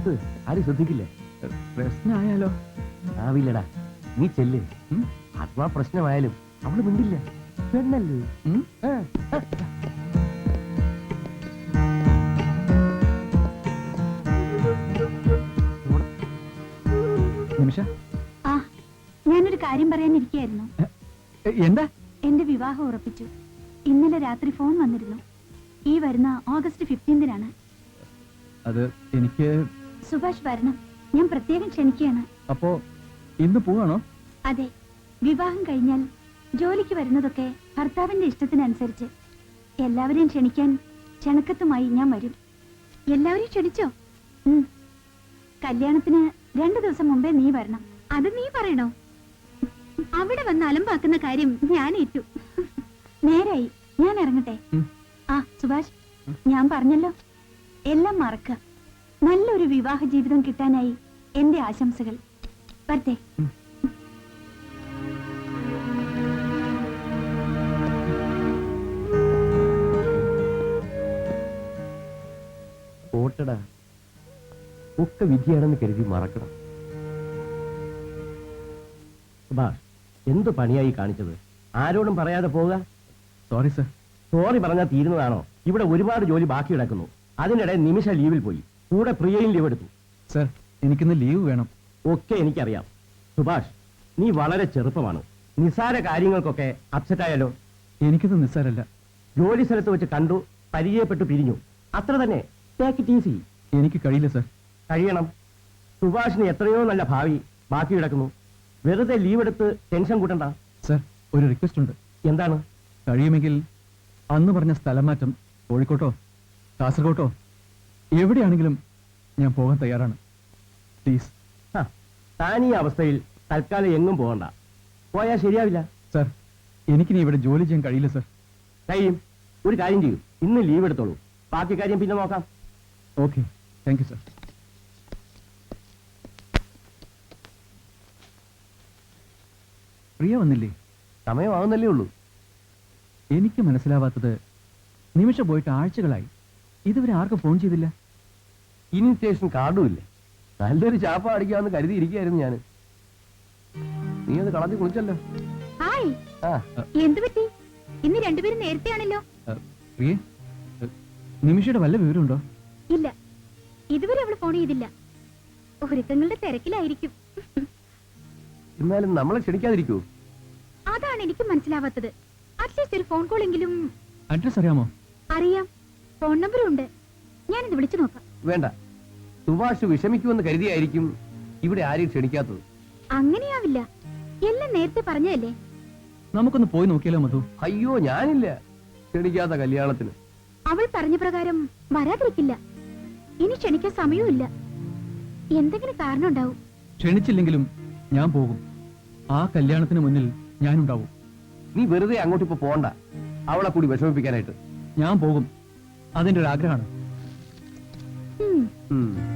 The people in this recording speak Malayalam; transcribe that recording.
നിർത്ത്, ആരും ശ്രദ്ധിക്കില്ലേ? പ്രശ്നമായാലോ? ആവില്ലടാ, നീ ചെല്ല്. അഥവാ പ്രശ്നമായാലും അവള് മിണ്ടില്ല, പെണ്ണല്ലേ. നിമിഷ, ഞാനൊരു കാര്യം പറയാനിരിക്കായിരുന്നു. എന്താ? എന്റെ വിവാഹം ഉറപ്പിച്ചു. ഇന്നലെ രാത്രി ഫോൺ വന്നിരുന്നു. ഈ വരുന്ന ഓഗസ്റ്റ് 15-നാണ്. അത് എനിക്ക് സുഭാഷ് വരണം, ഞാൻ പ്രത്യേകം ക്ഷണിക്കുകയാണ്. അപ്പോ ഇന്ന് പോവാണോ? അതെ, വിവാഹം കഴിഞ്ഞാൽ ജോലിക്ക് വരുന്നതൊക്കെ ഭർത്താവിന്റെ ഇഷ്ടത്തിനനുസരിച്ച്. എല്ലാവരെയും ക്ഷണിക്കാൻ ക്ഷണക്കത്തുമായി ഞാൻ വരും. എല്ലാവരെയും ക്ഷണിച്ചോ? കല്യാണത്തിന് 2 ദിവസം മുമ്പേ നീ വരണം. അത് നീ പറയണോ? അവിടെ വന്ന് അലമ്പാക്കുന്ന കാര്യം ഞാൻ ഏറ്റു. നേരായി, ഞാൻ ഇറങ്ങട്ടെ. സുഭാഷ്, ഞാൻ പറഞ്ഞല്ലോ, എല്ലാം മറക്കുക. നല്ലൊരു വിവാഹ ജീവിതം കിട്ടാനായി എന്റെ ആശംസകൾ. വരട്ടെ. ഓട്ടടാ, ഒക്കെ വിധിയാണെന്ന് കരുതി മറക്കണം. സുഭാഷ്, എന്ത് പണിയായി കാണിച്ചത്? ആരോടും പറയാതെ പോവുക. Sorry sir. സോറി പറഞ്ഞാൽ തീരുന്നതാണോ? ഇവിടെ ഒരുപാട് ജോലി ബാക്കി കിടക്കുന്നു. അതിനിടെ നിമിഷ ലീവിൽ പോയി, കൂടെ പ്രിയയും ലീവ് എടുത്തു. സർ, എനിക്കിന്ന് ലീവ് വേണം. ഒക്കെ എനിക്കറിയാം. സുഭാഷ്, നീ വളരെ ചെറുപ്പമാണ്. നിസ്സാര കാര്യങ്ങൾക്കൊക്കെ അപ്സെറ്റ് ആയാലോ? എനിക്കിത് നിസ്സാരല്ല. ജോലി സ്ഥലത്ത് വെച്ച് കണ്ടു, പരിചയപ്പെട്ടു, പിരിഞ്ഞു, അത്ര തന്നെ. Take it easy. എനിക്ക് കഴിയില്ല സർ. കഴിയണം. സുഭാഷിന് എത്രയോ നല്ല ഭാവി ബാക്കി കിടക്കുന്നു. വെറുതെ ലീവ് എടുത്ത് ടെൻഷൻ കൂട്ടണ്ട. സർ, ഒരു റിക്വസ്റ്റ് ഉണ്ട്. എന്താണ്? കഴിയുമെങ്കിൽ അന്ന് പറഞ്ഞ സ്ഥലം മാറ്റം കോഴിക്കോട്ടോ കാസർഗോട്ടോ എവിടെയാണെങ്കിലും ഞാൻ പോകാൻ തയ്യാറാണ്. പ്ലീസ്. താൻ ഈ അവസ്ഥയിൽ തൽക്കാലം എങ്ങും പോകണ്ട. പോയാൽ ശരിയാവില്ല. സർ, എനിക്കിനി ഇവിടെ ജോലി ചെയ്യാൻ കഴിയില്ല സർ. കഴിയും. ഒരു കാര്യം ചെയ്യൂ, ഇന്ന് ലീവ് എടുത്തോളൂ. ബാക്കി കാര്യം പിന്നെ നോക്കാം. Okay, thank you sir. Priya വന്നില്ലേ? സമയമാവുന്നല്ലേ ഉള്ളൂ. എനിക്ക് മനസ്സിലാവാത്തത്, നിമിഷ പോയിട്ട് ആഴ്ചകളായി, ഇതുവരെ ആർക്കും ഫോൺ ചെയ്തില്ല. ഇൻവിറ്റേഷൻ കാർഡും ഇല്ലേ? നല്ലൊരു ചാപ്പ അടിക്കാമെന്ന് കരുതിയിരിക്കുകയായിരുന്നു ഞാൻ. നീ അത് കളഞ്ഞു കുളിച്ചല്ലോ. എന്ത് പറ്റി? ഇന്ന് രണ്ടുപേരും നേരത്തെ ആണല്ലോ. പ്രിയ, നിമിഷയുടെ വല്ല വിവരമുണ്ടോ? ഇല്ല, ഇതുവരെ അവള് ഫോൺ ചെയ്തില്ല. ഒരുക്കങ്ങളുടെ തിരക്കിലായിരിക്കും. എന്നാലും നമ്മളെ ക്ഷണിക്കാതിരിക്കൂ? അതാണ് എനിക്ക് മനസ്സിലാവാത്തത്. അറ്റ്ലീസ്റ്റ് ഒരു ഫോൺ കോൾ എങ്കിലും. അഡ്രസ് അറിയാമോ? അറിയാം, ഫോൺ നമ്പറും ഉണ്ട്. ഞാനിത് വിളിച്ചു നോക്കാം. വേണ്ട, സുഭാഷ് വിഷമിക്കുമെന്ന് കരുതിയായിരിക്കും ഇവിടെ ആരെയും ക്ഷണിക്കാത്തത്. അങ്ങനെയാവില്ല, എല്ലാം നേരത്തെ പറഞ്ഞതല്ലേ. നമുക്കൊന്ന് പോയി നോക്കിയാലോ മധു? അയ്യോ, ഞാനില്ല ക്ഷണിക്കാത്ത കല്യാണത്തിന്. അവൾ പറഞ്ഞ പ്രകാരം വരാതിരിക്കില്ല. ഇനി ക്ഷണിക്കാൻ സമയവുമില്ല. എന്തെങ്കിലും കാരണം ഉണ്ടാവും. ക്ഷണിച്ചില്ലെങ്കിലും ഞാൻ പോകും. ആ കല്യാണത്തിന് മുന്നിൽ ഞാനുണ്ടാവും. നീ വെറുതെ അങ്ങോട്ട് ഇപ്പൊ പോണ്ട, അവളെ കൂടി വിഷമിപ്പിക്കാനായിട്ട്. ഞാൻ പോകും, അതിന്റെ ഒരു ആഗ്രഹമാണ്.